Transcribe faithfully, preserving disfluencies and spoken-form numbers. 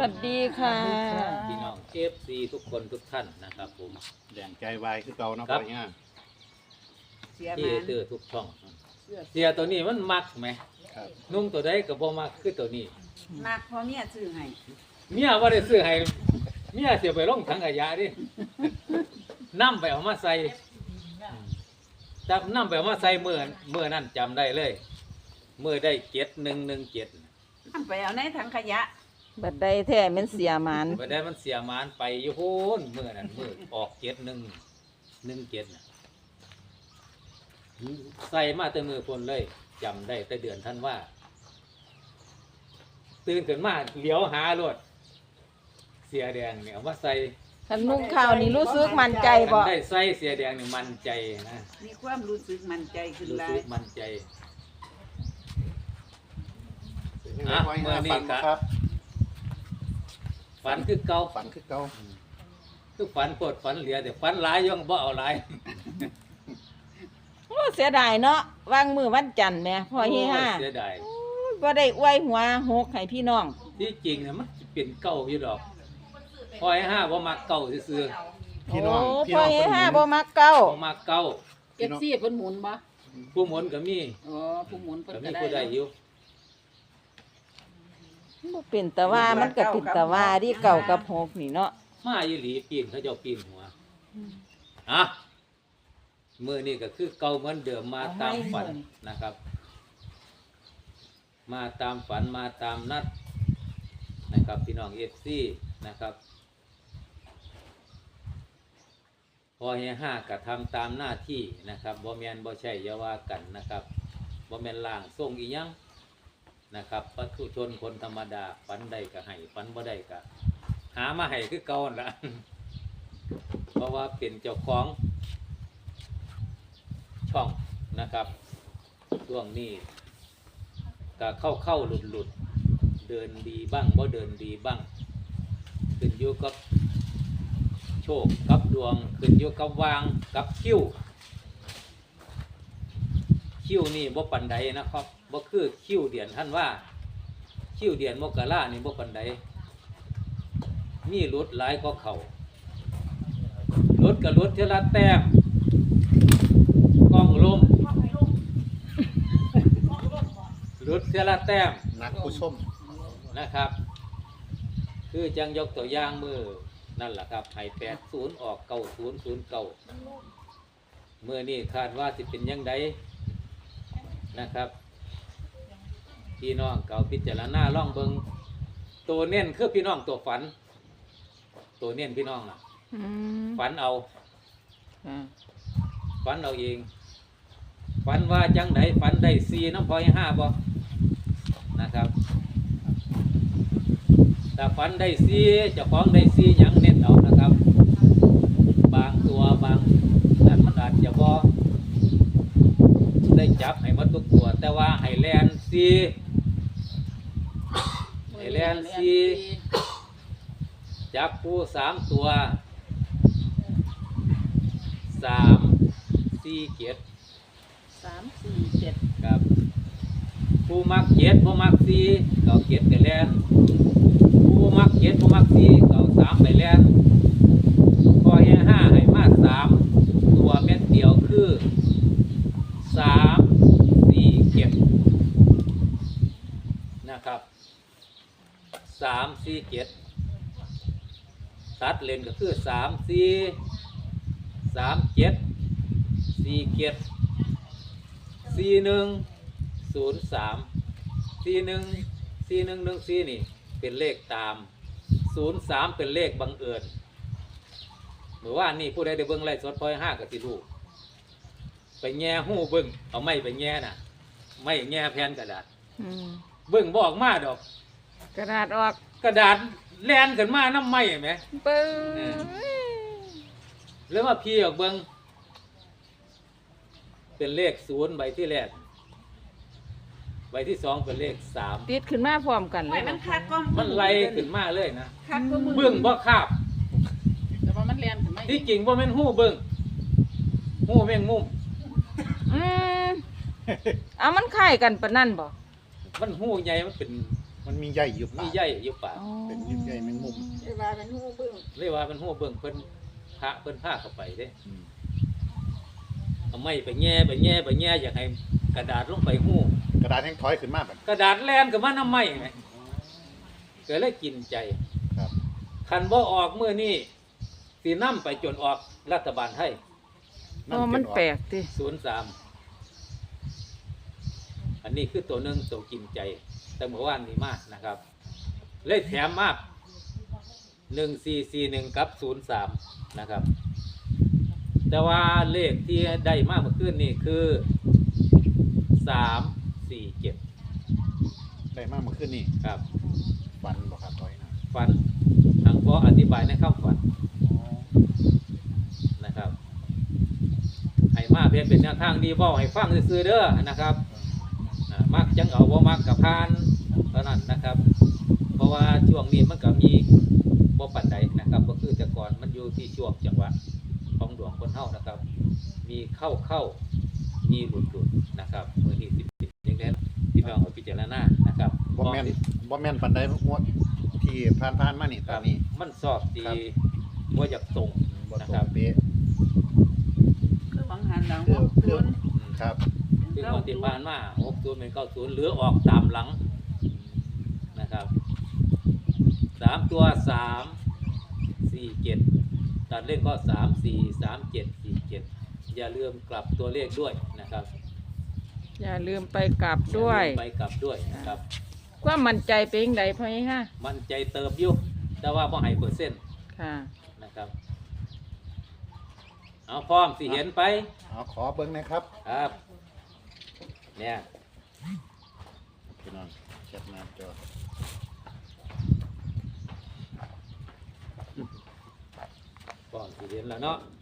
วัสดีค่ะพี่น้องเอฟซีทุกคนทุกท่านนะครับผมแดงใจวายคือเก่าเนาะครัพ่บอเนี่ยเสียที่มาเตอร์ทุกช่องเสื้อเสียตัวนี้มันมักไหมครับนุ่งตัวใดก็บ่มักคือตัวนี้มากพอเมียซื้อให้เมียว่าได้ซื้อให้เมียเสียไปลงถังขยะดินำไปเอามาใส่จับนำไปเอามาใส่เมื่อเมื่อนั้นจำได้เลยเมื่อได้เจ็ดหนึ่งหนึ่งเจ็ดทำไปเอาในถังขยะบัดใดแท้แมันเสียหมันไปได้มันเสียหมานไปอยู่โหนเมื่อนั้นเมื่อออกเจ็ดหนึ่งหนึ่งเจ็ดน่ะใส่มาแต่มือพนเลยจำได้แต่เดือนท่านว่า ตื่นขึ้นมาเหลียวหารถเสียแดงเนี่ยเอามาใส่คันนุ่งข้าวนี่รู้สึกมั่นใจบ่ได้ใส่เสียแดงนี่มันใจนะมีความรู้สึกมั่นใจขึ้นรู้หลาสึยกมันใจเป็นยังไงพ่อเนี่ยฝันบ่ครับฝันคือเก่าฝันคือเก่าคือฝันปวดฝันเหลียแต่ฝันหลายยังบ่เอาหลายโอ้เสียดายเนาะวางมือวันจันทร์แหม่พ่อเฮฮาโเสียดายบ่ได้อวยหัวหกให้พี่น้องที่จริงเนี่ยมันสิเป็นเก่าอยู่ดอกพอยห้าบ่มาเก่าซื่อพี่น้องโอ้พี่พ่อน้องเฮเพิ่นฮาหมุบ่นมักเก้าบ่มาเก่าเก็บซี่เพิ่นหมุนบ่ผู้หมุนก็มีอ๋อผู้หมุนเพิ่นก็ก็มีได้ผู้ใดอยู่บ่เป็นแต่ว่ามันก็เป็นแต่ว่าที่เก่ากับหกนี่เนาะมาอีหลีปีนเขาเจ้าปีนหัวอ่ะมื้อนี้ก็คือเก่าเหมือนเดิมมาตามฝันนะครับ มาตามฝันมาตามนัดนะครับพี่น้อง เอฟ ซี นะครับพอเฮห้าก็ทำตามหน้าที่นะครับบ่แม่นบ่ใช่อย่าว่ากันนะครับบ่แม่นล่างทรงอีหยังนะครับปัถุชนคนธรรมดาฝันได้ก็ให้ฝันบ่ได้ก็หามาให้คือเก่านั่นล่ะ เพราะว่าเป็นเจ้าของช่องนะครับช่วงนี้ก็เข้าเข้าหลุดหลุดเดินดีบ้างบ่เดินดีบ้างขึ้นอยู่กับโชคกับดวงขึ้นอยู่กับวางกับคิ้วคิ้วนี่บ่ปันใดนะครับบ่คือคิ้วเดือนท่านว่าคิ้วเดือนมกรานี่บ่ปันใดมีรถหลายก็เขารถกับรถเทละแต้มกล้องลมรถเทละแต้มนักผู้ชมนะครับ คือจังยกตัวอย่างมือนั่นแหละครับให้แปดศูนย์ออกเก้าศูนย์ศูนย์เก้าเมื่อนี้คาดว่าสิเป็นยังไงนะครับพี่น้องเก่าพิจารณาล่องเบิงตัวเน้นคือพี่น้องตัวฝัน ตัวเน้นพี่น้องน่ะอืมฝันเอาอ่าฝันเอาเองฝันว่าจังไหนฝันได้ซีน้ำพอยห้าบ่นะครับแต่ฝันได้ซีเจ้าของได้ซีหยังเน้นเอานะครับ บางตัวบางนั่นมันอาจจะบ่ได้จับให้หมันทุกตัว แต่ว่าให้แลนซีให้แลนซีจับผู้สามตัวสามสี่เจ็ดสามสี่เจ็ดครับผู้มักเจ็ดผู้มักสี่เก่าเจ็ดไปแลนผู้มักเจ็ดผู้มักสี่เก่าสามไปแลนพอเฮห้าให้มาสามตัวเม็ดเดียวคือสามสี่เจ็ดนะครับสามสี่เจ็ดตัดเลนก็คือสามสี่สามเจ็ดสี่เจ็ดสี่หนึ่งศูนย์สามสี่หนึ่งสี่หนึ่งหนึ่งสี่นี่เป็นเลขตามศูนย์สามเป็นเลขบังเอิญเมื่อวานนี่ผู้ใดได้เบิ้งไล่สดพอยห้ากับสิลูกไปแง่หู้เบิ้งเอาไม้ไปแง่น่ะไม่แง่แผ่นกระดาษอืมเบิ้งบอกมาดอกกระดาษออกกระดาษแลนกันมาน้ำไม้ไหมปึ้งแล้วมาพี่ออกเบิ้งเป็นเลขศูนย์ใบที่แรกใบที่สองเป็นเลขสามติดขึ้นมาพร้อมกันเลไม่ยมันคักก็มันไล่ขึ้นมาเลยนะคักก็มือเบิ้งบ่คาบแต่ว่ามันเรียนถึงไม่ที่จริงว่าแม่นหู้เบิ้งหู้แม่งมุมอืมเอามันคล้ายกันปะนั่นบ่มันหู้ใหญ่มันเป็นมันมันมีใหญ่อยู่มีปากใยอยู่ปากอ๋อเป็นยิบใหญ่แมงมุมเรียกว่าเป็นหูเบิ่งเรียกว่าเป็นหัวเบิ่งเพิ่นพระเพิ่นพาเข้าไปเด้อืมเอาไม้ไปแง่ไปแง่ไปแง่อยากให้กระดาษลงไปหู้กระดาษแห้งถอยขึ้นมาแบบกระดาษแลนกับมันน้ำไม้ไงก็เลยกินใจครับคันบ่ออกมื้อนี้สินำไปจนออกรัฐบาลไทยอ๋อมันแปลกติศูนย์สามอันนี้คือตัวหนึ่งตัวกินใจ แต่เมื่อวานนี้มากนะครับ เลยแถมมากหนึ่งสี่สี่หนึ่งกับศูนย์สามนะครับ แต่ว่าเลขที่ได้มากเมื่อคืนนี่คือสามสี่เจ็ดได้มากเมื่อคืนนี่ครับฟันบ่ครับถอยนะฟันทางพ่ออธิบายในข้าฝันอ๋อนะครับให้มาเพียงเป็นแนวทางดีเว่าให้ฟังซื่อๆเด้อนะครับอ่ามักจังเอาว่ามักกับพานเท่านั้นนะครับ เพราะว่าช่วงนี้มันก็มีบ่ปันใดนะครับก็คือแต่ก่อนมันอยู่ที่ช่วงจังหวะของดวงคนเฮานะครับ มีเข้าเข้ามีหลุดหลุดนะครับมือที่สิบสิบอย่างนี้พี่น้องเอาพิจารณานะครับบ่แม่นบ่แม่นปันใดงวดที่ผ่านผ่านๆมานี่คตอรันบนี้มันสอบดีครับว่าอยากตรงบ่นะตรครังบเป๊ะคือบังหันหลังคือหกคือศูนย์ครับคือคนที่ผ่านมาหกศูนย์เป็นเก้าศูนย์หรือออกตามหลังนะครับสามตัวสามสี่เจ็ดตัดเลขก็สามสี่สามเจ็ดสี่เจ็ดอย่าลืมกลับตัวเลขด้วยนะครับอย่าลืมไปกลับด้วยอาลืมไปกลับด้วยนะครับความมั่นใจเป็นจังไดพ่อยี่ห้ามันใจเติบอยู่แต่ว่าบ่ให้เปอร์เซ็นต์ค่ะนะครับ เอาพร้อมสิเห็นไปเอาขอเบิ่งหนะครับครับ เนี่ยพี่น้องแคปหน้าจอพร้อมสิเห็นแล้วเนาะ